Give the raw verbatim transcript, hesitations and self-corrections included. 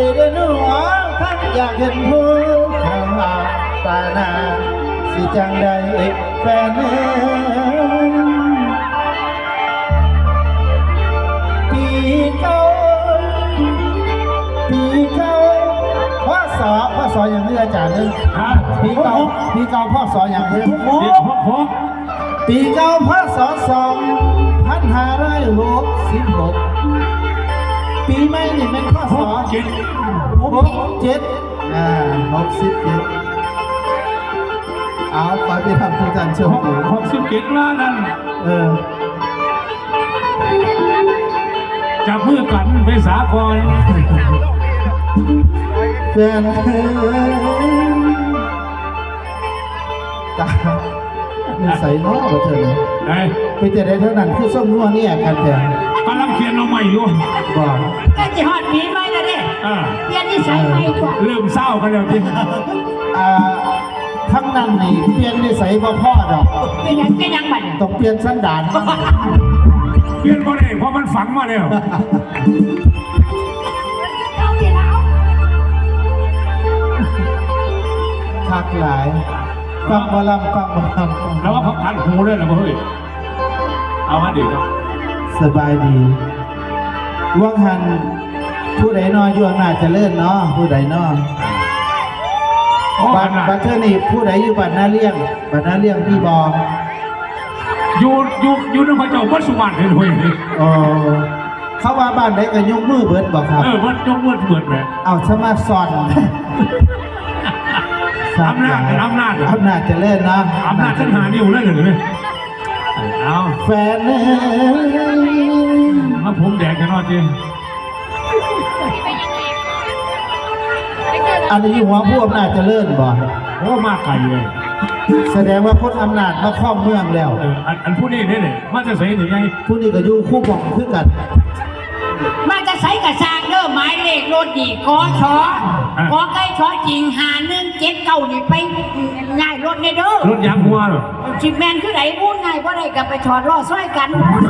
เดินหัวทั้งอยากเห็นผู้ข้างหาตาหน้าสิจังใดแฟนเอ๋ยปีเก่าปีเก่าพ่อสอพ่อสออย่างนี้อาจารย์นึงปีเก่าปีเก่าพ่อสออย่างนี้ปีเก่าพ่อสอสองพันห้าร้อยหกสิบหกปีใหม่นี่เป็นพ่อสอเจ็ดหกเจ็ดอ่าหกสิบเจ็ดเอาไปไปทำทุกท่านเชื่อผมหกสิบเจ็ดล้านนั่นเออจับมือกันไปสากลแฟนเธอตาไม่ใส่น้อกับเธอเลยไปเจอได้เท่านั้นคือส้มนัวเนี่ยกันเถอะกำลังเขียนเอาใหม่อยู่บอกก็จะหอดผีไหมล่ะเนี่ยเปลี่ยนนิสัยใหม่กว่าเริ่มเศร้ากันแล้วจริงอ่าทั้งนั้นนี่เปลี่ยนนิสัยพ่อพ่อดอกเป็นยังเป็นยังบัดต้องเปลี่ยนสันดานเปลี่ยนบ่ได้เพราะมันฝังมาแล้วคักหลายฟังบอลำฟังบอลำแล้วว่าพักทันหูเลยเหรอเฮ้ยเอามาดิครับสบายดีว่างหันผู้ใดนออยู่น่าจะเลื่อนเนาะผู้ใดนอบัตรบัตรเทอร์นี่ผู้ใดอยู่บัตรหน้าเลี้ยงบัตรหน้าเลี้ยงพี่บออยู่อยู่อยู่ในพระเจ้าวัดสุวรรณเลยเฮ้ยอ๋อเขาว่าบ้านไหนก็ยกมือเบิดบอกครับเออวัดยกมือเบิดเลยเอาสมาสอนอำนาจอำนาจอำนาจจะเล่นนะอำนาจฉันหานิ้วเลยเลยเอาแฟนเนี่ยมาผมแดกกันนอจริงอันนี้หัวผู้อำนาจจะเล่นบ่โอ้มากไกลเลยแสดงว่าพ้นอำนาจมาครอบเมืองแล้วอันอันผู้นี้เนี่ยมันจะใส่หรือไงผู้นี้ก็อยู่คู่บอกขึ้นกันมันจะใส่กระซางเด้อหมายเลขรถดีกอชอกอไก่ชอจริงหาหนึ่งเจ็ดเก้านี่ไปง่ายรถเนี่ยเด้อรถยางหัวหรอชิมแมนคือไหนพูดง่ายว่าไรกับไปถอดล้อซ้อยกัน